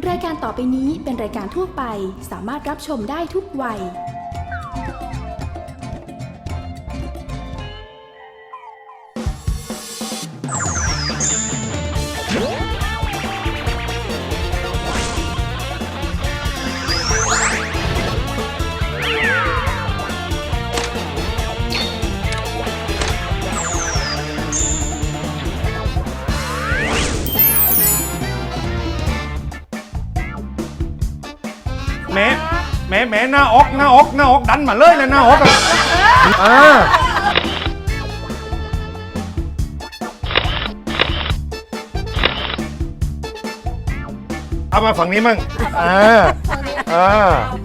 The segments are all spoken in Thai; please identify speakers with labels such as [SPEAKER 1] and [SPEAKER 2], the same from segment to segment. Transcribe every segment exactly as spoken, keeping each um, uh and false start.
[SPEAKER 1] รายการต่อไปนี้เป็นรายการทั่วไปสามารถรับชมได้ทุกวัย
[SPEAKER 2] แม่แม่แม่หน้าอกหน้าอกหน้าอกดันมาเลยเลยหน้าอกอ่ะอ่าเอามาฝั่งนี้มั่งอ่าอ่า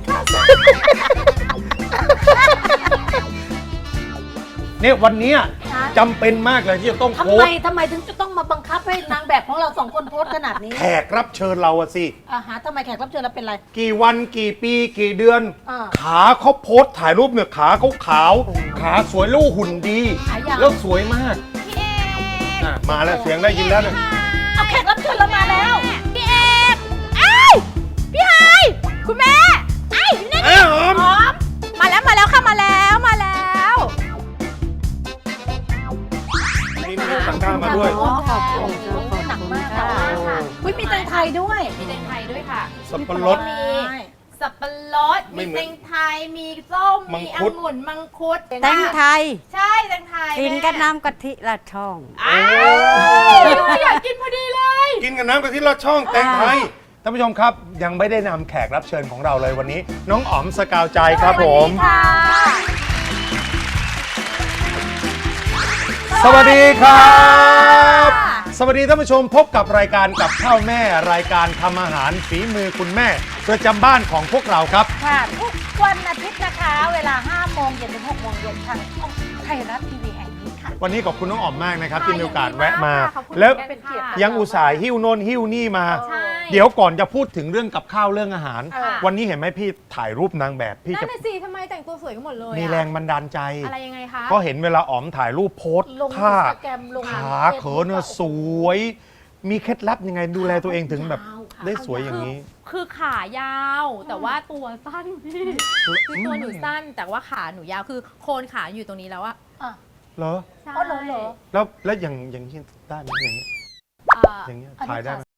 [SPEAKER 2] เนี่ยวันนี้จำเป็นมากเลยที่จะต้อง
[SPEAKER 3] ทำ
[SPEAKER 2] โพส
[SPEAKER 3] ไม
[SPEAKER 2] ต์
[SPEAKER 3] ทำไมถึงจะต้องมาบังคับให้นางแบบของเราสองคนโพสต์ขนาดนี้
[SPEAKER 2] แขกรับเชิญเราอะสิ
[SPEAKER 3] อ่าฮะทำไมแขกรับเชิญเราเป็นไร
[SPEAKER 2] กี่วันกี่ปีกี่เดือน
[SPEAKER 3] อ่า
[SPEAKER 2] ขาเขาโพสต์ถ่ายรูปเนี่ยขาเขาขาวขาสวยลูกหุ่นดี
[SPEAKER 3] ขายาว
[SPEAKER 2] แล้วสวยมากอ่ะมาแล้วเสียงได้ยินแล้วเนี่ย
[SPEAKER 3] เอาแขกรับเชิญเรามาแล้ว
[SPEAKER 4] พี่เอกไอ้ยพี่ไฮคุณแม่ไอ้ยนี่
[SPEAKER 2] เอ้ยหอม
[SPEAKER 4] หอมมาแล้วมาแล้วค่ะมาแล้วมาแล้ว
[SPEAKER 2] มีมีต่างด้าวมาด้วย
[SPEAKER 3] อ๋อขอบคุณหนักมากค่ะอุ้ยมีแตงไทยด้วย
[SPEAKER 4] มีแตงไทยด้วยค่ะ
[SPEAKER 2] สับปะรด
[SPEAKER 4] มีสับปะรด
[SPEAKER 2] ไม่
[SPEAKER 4] มี
[SPEAKER 2] เหมือน
[SPEAKER 4] แตงไทยมีส้ม
[SPEAKER 2] มัง
[SPEAKER 4] มี
[SPEAKER 2] คุด
[SPEAKER 4] องุ่นมังคุด
[SPEAKER 5] แตงไทย
[SPEAKER 4] ใช่แตงไทย
[SPEAKER 5] กินกับน้ำกะทิละช่อง
[SPEAKER 4] อ้าวอยากกินพอดีเลย
[SPEAKER 2] กินกับน้ำกะทิลอดช่องแตงไทยท่านผู้ชมครับยังไม่ได้นำแขกรับเชิญของเราเลยวันนี้ น้องอ๋อมสกาวใจครับผม
[SPEAKER 4] ค่ะ
[SPEAKER 2] สวัสดีครับ สวัสดีท่านผู้ชมพบกับรายการกับข้าวแม่รายการทำอาหารฝีมือคุณแม่ประจำบ้านของพวกเราครับ
[SPEAKER 3] ค่ะทุกวันอาทิตย์นะคะ เวลาห้าโมงเย็นถึงหกโมงเย็นทางช่องไทยรัฐทีวีแห่งนี้ค่ะ
[SPEAKER 2] วันนี้ขอบคุณน้องอ๋อมมากนะครับ
[SPEAKER 4] ค่ะ
[SPEAKER 2] ที่มีโอกาส
[SPEAKER 4] ยินดี
[SPEAKER 2] แวะมา
[SPEAKER 4] มากค่ะขอบคุณ
[SPEAKER 2] แล้ว
[SPEAKER 4] เป็นเกียรติ
[SPEAKER 2] ยังอุตส่าห์หิ้วโน่นหิ้วนี่มา
[SPEAKER 4] ใช่
[SPEAKER 2] เดี๋ยวก่อนจะพูดถึงเรื่องกับข้าวเรื่องอาหาร
[SPEAKER 4] ค่ะ
[SPEAKER 2] วันนี้เห็นไหมพี่ถ่ายรูปนางแบบพี่
[SPEAKER 4] นั่
[SPEAKER 2] จะ
[SPEAKER 4] นน่ะสิทำไมแต่งตัวสวยกันหมดเลยอะ
[SPEAKER 2] มีแรงบันดาลใจ
[SPEAKER 4] อะไรยังไงคะ
[SPEAKER 2] ก็เห็นเวลาอ๋อมถ่ายรูปโพสต์
[SPEAKER 3] ลง
[SPEAKER 2] ท่า
[SPEAKER 3] อินสตาแกรมลง
[SPEAKER 2] ขาเขินเนี่ยสวย มีเคล็ดลับยังไงดูแลตัวเองถึงแบบได้สวยอย่างนี้
[SPEAKER 4] คือขายาวแต่ว่าตัวสั้นพี่คือตัวหนูสั้นแต่ว่าขาหนูยาวคือโคนขาอยู่ตรงนี้แล้วอะ
[SPEAKER 3] อ่ะ
[SPEAKER 2] เหรอ
[SPEAKER 4] ใช่
[SPEAKER 3] อ๋อเหรอเหรอ
[SPEAKER 2] แล้วแล้วอย่างอย่างนี้ได้ไหมอย่างนี้
[SPEAKER 4] เอ่อ
[SPEAKER 2] อย่างเงี้ย
[SPEAKER 3] อันนี้
[SPEAKER 2] ถ่ายได้ไหม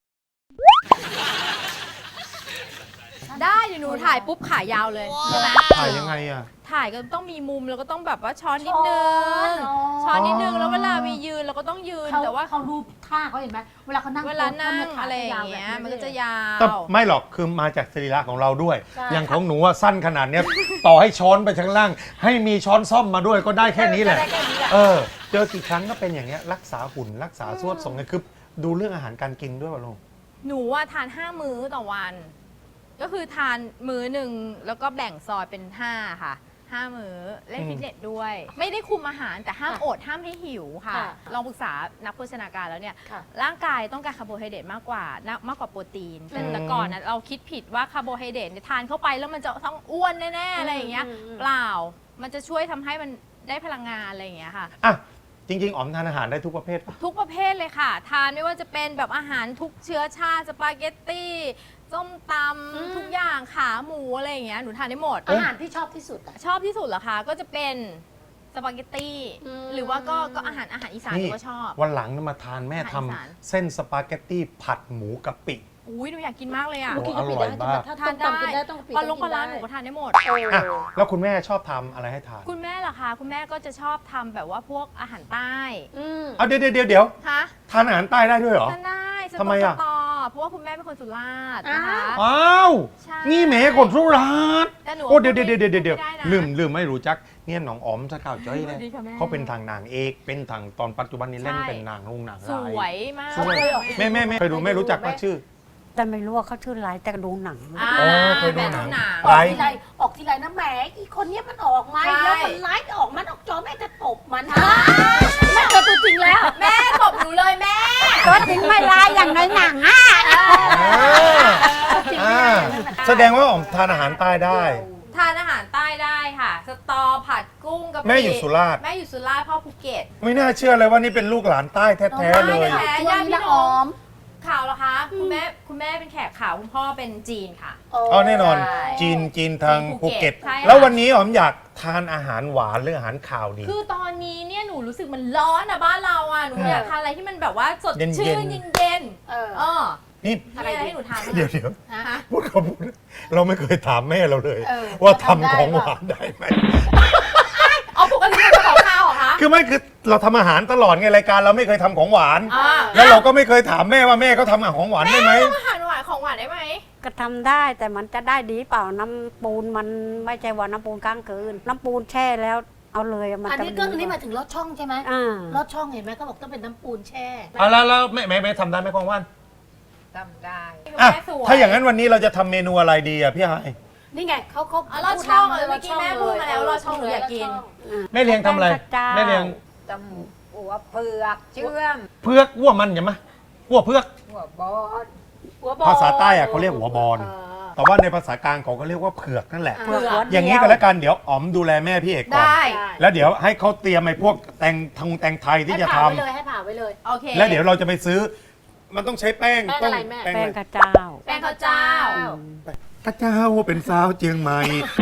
[SPEAKER 4] ได้เดี๋ยวหนูถ่ายปุ๊บขายาวเลยใช่ไหม
[SPEAKER 2] ถ่ายยังไงอ่ะ
[SPEAKER 4] ถ่ายก็ต้องมีมุมแล้วก็ต้องแบบว่าช้อนนิดนึง
[SPEAKER 3] อ๋อ
[SPEAKER 4] ช้อนนิดนึงแล้วเวลามียืนเราก็ต้องยืน
[SPEAKER 3] เขา
[SPEAKER 4] แต่ว่า
[SPEAKER 3] เขาดูท่าเขาเห็นไหมเวลาเขานั่ง
[SPEAKER 4] เวลานั่ง
[SPEAKER 3] โพสต์
[SPEAKER 4] อะไรอย่างเงี้ยมันก็จะยาว
[SPEAKER 2] แต่ไม่หรอกคือมาจากสรีระของเราด้วย
[SPEAKER 3] ใช่
[SPEAKER 2] อย่างของหนูว่าสั้นขนาดเนี้ย ต่อให้ช้อนไปข้างล่าง ให้มีช้อนซ่อมมาด้วยก็ได้แค่นี้แหละ
[SPEAKER 3] ได้แค่นี้แหละ
[SPEAKER 2] เออ เจอกี่ครั้งก็เป็นอย่างเงี้ยรักษาหุ่นรักษาสวดทรงไงคือดูเรื่องอาหารการกินด้วยป่ะลุง
[SPEAKER 4] หนูว่าทานห้ามื้อต่อวัน ก็คือทานมื้อหนึ่งแล้วก็แบ่งซอยเป็นห้าค่ะห้ามื้อเล่นฟิตเนสด้วย ไม่ได้คุมอาหารแต่ห้าม
[SPEAKER 3] ค่ะ
[SPEAKER 4] อดห้ามให้หิวค่ะ
[SPEAKER 3] ค่ะ
[SPEAKER 4] ลองปรึกษานักโภชนาการแล้วเนี่ย
[SPEAKER 3] ค่ะ
[SPEAKER 4] ร่างกายต้องการคาร์โบไฮเดรตมากกว่ามากกว่าโปรตีนแต่
[SPEAKER 2] อืม
[SPEAKER 4] แต่ก่อนนะเราคิดผิดว่าคาร์โบไฮเดรตเนี่ยทานเข้าไปแล้วมันจะต้องอ้วนแน่ๆอะไรอย่างเงี้ย
[SPEAKER 3] อืมอืม
[SPEAKER 4] เปล่ามันจะช่วยทำให้มันได้พลังงานอะไรอย่างเงี้ยค่ะ
[SPEAKER 2] อ่ะจริง ๆอ๋อมทานอาหารได้ทุกประเภทปะ
[SPEAKER 4] ทุกประเภทเลยค่ะ ทานไม่ว่าจะเป็นแบบอาหารทุกเชื้อชาติสปาเกตตี้ส้มต
[SPEAKER 3] อืม
[SPEAKER 4] ำทุกอย่างขาหมูอะไรอย่างเงี้ยหนูทานได้หมด
[SPEAKER 3] อาหารที่ชอบที่สุดอะ
[SPEAKER 4] ชอบที่สุดเหรอคะก็จะเป็นสปาเกตตี้
[SPEAKER 3] อืม
[SPEAKER 4] หรือว่าก็ก็อาหารอาหารอีสานหนูก็ชอบ
[SPEAKER 2] วันหลังมาทานแม่ทำ
[SPEAKER 4] อาหารอีสาน
[SPEAKER 2] เส้นสปาเกตตี้ผัดหมูกะปิ
[SPEAKER 4] อุ้ยหนูอยากกินมากเลยอ่ะ
[SPEAKER 2] โอ้
[SPEAKER 3] กินกะปิได้
[SPEAKER 2] อร่อยมาก
[SPEAKER 3] ถ้า
[SPEAKER 4] ทาน
[SPEAKER 3] ต้ม
[SPEAKER 4] ได้
[SPEAKER 3] ตำกินได้ต้องกะปิ
[SPEAKER 4] ปลาลง
[SPEAKER 3] ต้
[SPEAKER 4] ป
[SPEAKER 3] อ
[SPEAKER 4] ลาง ร้า
[SPEAKER 3] ได้
[SPEAKER 4] หนูก็ทานได้หมด
[SPEAKER 3] โอ้
[SPEAKER 2] อ่ะแล้วคุณแม่ชอบทำอะไรให้ทาน
[SPEAKER 4] คุณแม่เหรอคะคุณแม่ก็จะชอบทำแบบว่าพวกอาหารใต้
[SPEAKER 3] อืม
[SPEAKER 2] เอาเดี๋ยวเดี๋ยวเดี๋ยว
[SPEAKER 4] ฮะ
[SPEAKER 2] ทานอาหารใต้ได้ด้วยเหรอ
[SPEAKER 4] ทานได้ส
[SPEAKER 2] ทำไม
[SPEAKER 4] ตอ
[SPEAKER 2] อะ
[SPEAKER 4] สตอเพราะว่าคุณแม่เป็นคนสุราษฎร์นะคะ
[SPEAKER 2] อ้าว
[SPEAKER 4] ใช่
[SPEAKER 2] นี่แหมคนสุราษฎร์
[SPEAKER 4] แต่หนู
[SPEAKER 2] โอ้เดี๋ยวเดี๋ยวเดี๋ยวเดี๋ยวเดี๋ยว
[SPEAKER 4] ไม่ได้นะ
[SPEAKER 2] ลืมลืมไม่รู้จักเนี่ยน้องอ๋อมสกาวจ้อยเนี่ย
[SPEAKER 4] สวัสดีค่ะแม่
[SPEAKER 2] เขาเป็นทางนางเอกเป็นทางตอนปัจจุบันนี้เล่น
[SPEAKER 4] ใช่
[SPEAKER 2] เป็นนางลงนาง
[SPEAKER 4] ส
[SPEAKER 2] ร้าย
[SPEAKER 4] วยมาก
[SPEAKER 2] สวยแม่แม่แม่เคยดูแม่รู้จักว่าชื่อ
[SPEAKER 5] แต่ไม่รู้ว่าเขาชื่ออะไรแต่ดูหนัง
[SPEAKER 4] อ่า
[SPEAKER 2] อ๋อเคยดูหนัง
[SPEAKER 4] แม่
[SPEAKER 3] ออกทีไรออกทีไรนะแหมอีคนเนี้ยมันออกมา
[SPEAKER 4] ใช่
[SPEAKER 3] แล้วมันไลฟ์ออกมันออกจอแม่จะตบมันแม่เจอตัวจริงแล้ว
[SPEAKER 4] แม่ตบหนูเลยแม่
[SPEAKER 5] ตัวจริงไม่ลายอย่างในหนังอ่ะ
[SPEAKER 2] อ่าแสดงว่าอ๋อมทานอาหารใต้ได้
[SPEAKER 4] ทานอาหารใต้ได้ค่ะ สตอผัดกุ้งกับ
[SPEAKER 2] แม่อยู่สุราษฎร์
[SPEAKER 4] แม่อยู่สุราษฎร์พ่อภูเก็ต
[SPEAKER 2] ไม่น่าเชื่อเลยว่านี่เป็นลูกหลานใต้แท้ๆเลย
[SPEAKER 4] แท้
[SPEAKER 3] ช่วงนี้นะออม
[SPEAKER 4] ข่าวเหรอคะคุณแม่คุณแม่เป็นแขกขาวคุณพ่อเป็นจีนค่ะ
[SPEAKER 2] อ๋อแน่นอน
[SPEAKER 4] ใช่
[SPEAKER 2] จีนจีนทาง
[SPEAKER 4] ภู
[SPEAKER 2] ภู
[SPEAKER 4] เก็
[SPEAKER 2] เก็ต
[SPEAKER 4] ตใช่ค่ะ
[SPEAKER 2] แล้ววันนี้หอมอยากทานอาหารหวานหรืออาหารข่าวดี
[SPEAKER 4] คือตอนนี้เนี่ยหนูรู้สึกมันร้อนอะบ้านเราอะหนู
[SPEAKER 2] เออ
[SPEAKER 4] อ
[SPEAKER 2] อ
[SPEAKER 4] ยากทานอะไรที่มันแบบว่าสด
[SPEAKER 2] เย็นๆ
[SPEAKER 4] ชื่นเย็น
[SPEAKER 3] เออ
[SPEAKER 4] ๆเออ
[SPEAKER 2] นี่
[SPEAKER 4] มีอะไรให้หนูทานไหม
[SPEAKER 2] เดี๋ยวเดี๋ยว
[SPEAKER 4] ฮะ
[SPEAKER 2] พูดคำพูดเราไม่เคยถามแม่เราเลย
[SPEAKER 3] เออ
[SPEAKER 2] ว่า
[SPEAKER 3] ว่า
[SPEAKER 2] ทำ
[SPEAKER 3] ทำได้
[SPEAKER 2] ของห
[SPEAKER 3] เปล่า
[SPEAKER 2] วานได้ไหม
[SPEAKER 4] เอาปกติเป็นของข้าวเหรอคะ
[SPEAKER 2] คือไม่คือเราทำอาหารตลอดไงรายการเราไม่เคยทำของหวาน
[SPEAKER 4] อ่า
[SPEAKER 2] แล้วเราก็ไม่เคยถามแม่ว่าแม่เขาทำอาหารของหวานได้ไหม
[SPEAKER 4] ทำอาหารหวานของหวานได้ไหม
[SPEAKER 5] ก็ทำได้แต่มันจะได้ดีเปล่าน้ำปูนมันไม่ใช่ว่าน้ำปูนกลางคืนน้ำปูนแช่แล้วเอาเลยมัน
[SPEAKER 3] อัน
[SPEAKER 5] จะ
[SPEAKER 3] นี้ก็
[SPEAKER 5] ดี
[SPEAKER 3] อันนี้ห
[SPEAKER 5] ก
[SPEAKER 3] มา
[SPEAKER 5] ว่า
[SPEAKER 3] ยถึงลอดช่องใช่ไหม
[SPEAKER 5] อ่า
[SPEAKER 3] ลอดช่องเห็นไหมเขาบอกต้องเป็นน้ำปูนแช่
[SPEAKER 2] อ่ะแล้วแล้วแม่แม่แม่ทำได้ไหมกองว่าน
[SPEAKER 6] ทำได้
[SPEAKER 2] อ่ะ
[SPEAKER 4] แม่สวย
[SPEAKER 2] ถ้าอย่างนั้นวันนี้เราจะทำเมนูอะไรดีอ่ะพี่ไฮาย
[SPEAKER 3] นี่ไงเขาเขา
[SPEAKER 4] อ๋อลอดช่อง
[SPEAKER 3] พูด
[SPEAKER 4] เออเมื่อกี้แม่พูดมาแล้วลอดช่องหนูอยากกิน
[SPEAKER 2] แม่เลี้ยงทำอะไร
[SPEAKER 5] แป้งข้าวเจ้า
[SPEAKER 2] แม่เลี้ยง
[SPEAKER 6] ตำหัวเผือกเชื่อม
[SPEAKER 2] เพือกวัวมันใช่ไหมวัวเพือก
[SPEAKER 6] หัวบอส
[SPEAKER 3] หัวบอล
[SPEAKER 2] ภาษาใต้อะเขาเรียกหัวบอล
[SPEAKER 3] เออ
[SPEAKER 2] แต่ว่าในภาษากลางเขาก็เรียกว่าเผือกนั่นแหละ
[SPEAKER 5] เผือกหัวเดีว
[SPEAKER 2] อย่างนี้ก็แล้วกันเดี๋ยวอ๋อมดูแลแม่พี่เอกก่อน
[SPEAKER 4] ได้
[SPEAKER 2] แล้วเดี๋ยวให้เขาเตรียมไอ้พวกแตงทงแตงไทยที่จะ
[SPEAKER 3] ให้
[SPEAKER 2] ทำ
[SPEAKER 3] ผ่าไว้เลยให้ผ่าไว้เลย
[SPEAKER 4] โอเค
[SPEAKER 2] แล้วเดี๋ยวเราจะไปซื้อ มันต้องใช้แป้ง
[SPEAKER 3] แป้งอะไรแม่
[SPEAKER 2] แป้ง
[SPEAKER 5] แป้ง
[SPEAKER 2] อะไร
[SPEAKER 5] ข้าวเจ้า
[SPEAKER 4] แป้งข้าวเจ้า
[SPEAKER 2] ข้าเจ้าเป็นสาวเจียงใหม่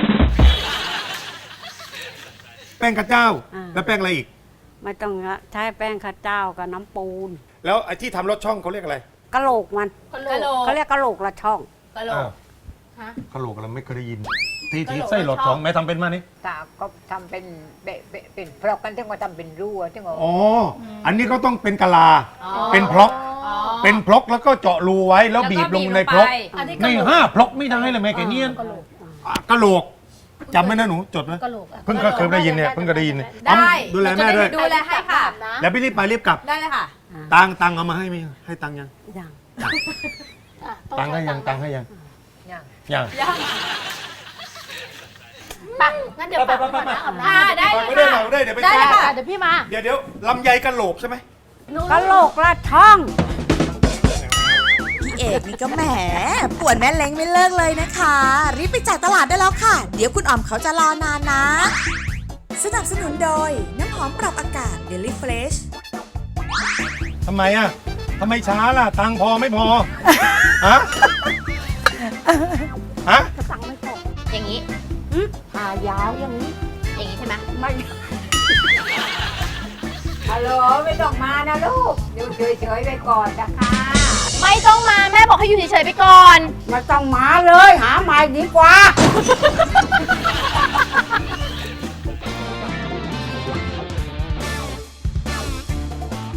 [SPEAKER 2] แป้งข้าเจ้า
[SPEAKER 5] อ่า
[SPEAKER 2] แล้วแป้งอะไรอีก
[SPEAKER 5] ไม่ต้องละใช้แป้งข้าวเจ้ากับน้ำปูน
[SPEAKER 2] แล้วไอ้ที่ทำรสช่องเขาเรียกอะไร
[SPEAKER 5] กะโหลกมัน
[SPEAKER 3] กะโหล
[SPEAKER 4] กะโหล
[SPEAKER 3] ก
[SPEAKER 4] ก
[SPEAKER 5] เขาเรียกกะโหลกละช่อง
[SPEAKER 4] กะโหลก ฮะ
[SPEAKER 2] กะโหลกเราไม่เคยได้ยิน ที่
[SPEAKER 4] กะโหลก
[SPEAKER 2] ที่ไส้รสช่องแม่ทำเป็นมานี่
[SPEAKER 6] ตาก็ทำเป็นเบะเบะเป็นพรอกกันถึงว่าทำเป็นรั่วถึงว่า
[SPEAKER 2] อ๋ออันนี้เขาต้องเป็นกะลา
[SPEAKER 4] อ๋อ
[SPEAKER 2] เป็นพร็อก
[SPEAKER 4] อ๋อ
[SPEAKER 2] เป็นพลกแล้วก็เจาะรูไว้แล้วบีบลงในพลก
[SPEAKER 3] อันนี้กะ
[SPEAKER 2] ไม่
[SPEAKER 3] โหลก
[SPEAKER 2] ห้าพลกไม่ได้เลยแม่แกเนียน
[SPEAKER 3] กะโหลก
[SPEAKER 2] อ่ะกะโหลกจำไว้นะหนูจดไว้
[SPEAKER 3] กะโหลกอะ
[SPEAKER 2] เพิ่งเคยได้ยินเนี่ยเพิ่งเคยได้ยินเนี่ย
[SPEAKER 4] ได้
[SPEAKER 2] ดูแลแม่ด้วย
[SPEAKER 4] ดูแลให้ค่ะ
[SPEAKER 3] นะ
[SPEAKER 2] แล้วพี่รีบไปรีบกลับ
[SPEAKER 4] ได้เลยค่ะ
[SPEAKER 2] ตังค์ตังค์เอามาให้ไหมให้ตังค์ยัง
[SPEAKER 5] อย่าง
[SPEAKER 3] อ่ะ
[SPEAKER 2] ตังค์ให้ยังตังค์ให้ยัง
[SPEAKER 6] อย่าง
[SPEAKER 2] ยัง
[SPEAKER 4] ยัง
[SPEAKER 3] ไปงั้นเดี๋ยวฝากไว้ก่อนนะอาบน้
[SPEAKER 4] อ่าได้
[SPEAKER 2] ฝาก
[SPEAKER 4] เลย
[SPEAKER 2] ไว้ด้วย
[SPEAKER 4] ค่ะ
[SPEAKER 2] ฝากไว้ด้วยเดี๋ยวไป
[SPEAKER 3] ำได้
[SPEAKER 2] ซื้อ
[SPEAKER 3] เลยค่ะเดี๋ยวพี่มา
[SPEAKER 2] เดี๋ยวเดี๋ยวลำไยกะโหลกใช่ไหม
[SPEAKER 5] กะโหลกละช่อง
[SPEAKER 7] พี่เอกนี่ก็แหมป่วนแม่เล้งไม่เลิกเลยนะคะ รีบไปจ่ายตลาดได้แล้วค่ะ เดี๋ยวคุณอ๋อมเขาจะรอนานนะ สนับสนุนโดย น้ำหอมปรับอากาศ Daily Fresh
[SPEAKER 2] ทำไมอ่ะทำไมช้าล่ะ ตังค์พอไม่พอ ฮะ ฮะ
[SPEAKER 5] สั่งไม่ตก
[SPEAKER 4] อย่างนี้
[SPEAKER 5] หายาวอย่างนี้
[SPEAKER 4] อย่างนี้ใช่ไหม
[SPEAKER 5] ไม่
[SPEAKER 6] ฮัลโหลไม่ต้องมานะลูก อยู่เฉยๆไปก่อนนะคะ
[SPEAKER 4] ไม่ต้องมาแม่บอกให้อยู่เฉยๆไปก่อน
[SPEAKER 5] ไม่ต้องมาเลยหาใหม่ดีกว่า